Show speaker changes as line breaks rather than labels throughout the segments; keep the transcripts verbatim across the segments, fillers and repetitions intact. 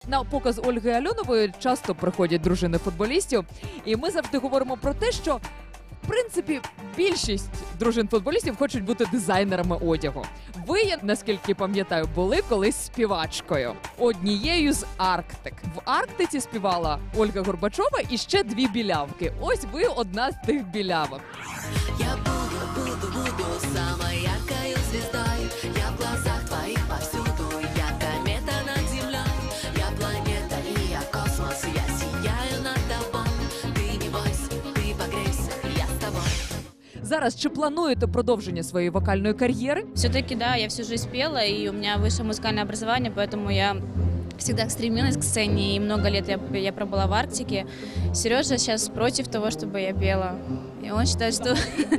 На показ Ольги Альонової часто приходять дружини футболістів, і ми завжди говоримо про те, що в принципі більшість дружин футболістів хочуть бути дизайнерами одягу. Ви, я наскільки пам'ятаю, були колись співачкою, однією з Арктик. В Арктиці співала Ольга Горбачова і ще дві білявки. Ось ви одна з тих білявок.
Я буду, буду, буду самой яркой звездой. Я в глазах твоих повсюду. Я комета над землей. Я планета и я космос. Я сияю над тобой. Ты не бойся, ты погрейся, я с тобой.
Зараз чи плануєте продовження своєї вокальної кар'єри?
Все-таки, да, я всю жизнь пела, и у меня высшее музыкальное образование, поэтому я всегда стремилась к сцене, и много лет я, я пробыла в Арктике. Сережа сейчас против того, чтобы я пела. И он считает, что,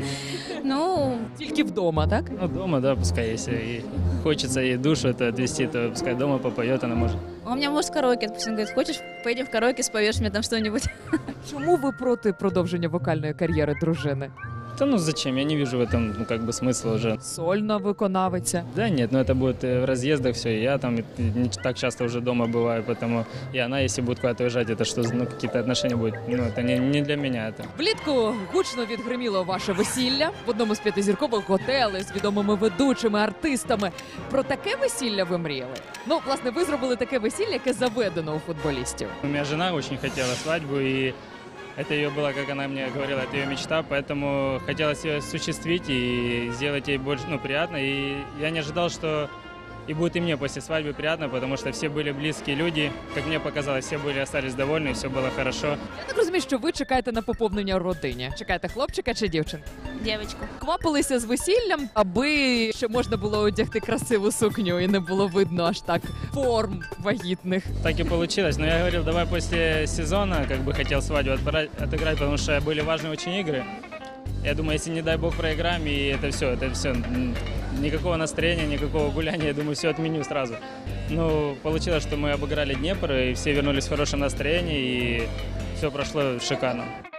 ну,
Тільки вдома, так?
Ну, дома, да, пускай, если и хочется ей душу это отвести, то пускай дома попоет, она может.
он меня может караоке, допустим, говорит, хочешь, поедем в караоке, споешь мне там что-нибудь.
Чому ви проти продовження вокальної кар'єри дружини?
Да ну зачем, я не вижу в этом, ну, как бы смысла уже.
Сольна виконавиця.
Да нет, ну это будет э, в разъездах все, и я там не так часто уже дома бываю, поэтому и она, если будет куда-то уезжать, это что, ну, какие-то отношения будут, ну, это не, не для меня это.
Влітку гучно відгриміло ваше весілля в одному з п'ятизіркових готелей з відомими ведучими, артистами. Про таке весілля ви мріяли? Ну, власне, ви зробили таке весілля, яке заведено у футболістів.
У меня жена очень хотела свадьбу, и это ее было, как она мне говорила, это ее мечта, поэтому хотелось ее осуществить и сделать ей больше, ну, приятно. И я не ожидал, что и будет и мне после свадьбы приятно, потому что все были близкие люди. Как мне показалось, все были, остались довольны, все было хорошо.
Я так розумію, що ви чекаєте на поповнення в родині. Чекаєте хлопчика чи дівчинку?
Девочку.
Квапилися з весіллям, аби ще можна було одягти красиву сукню і не було видно аж так форм вагітних.
Так и получилось. Но я говорил, давай после сезона, как бы хотел свадьбу отбрать- отыграть, потому что были важные очень игры. Я думаю, если, не дай бог, проиграем, и это все, это все, никакого настроения, никакого гуляния, я думаю, все отменю сразу. Ну, получилось, что мы обыграли Днепр, и все вернулись в хорошем настроении, и все прошло шикарно.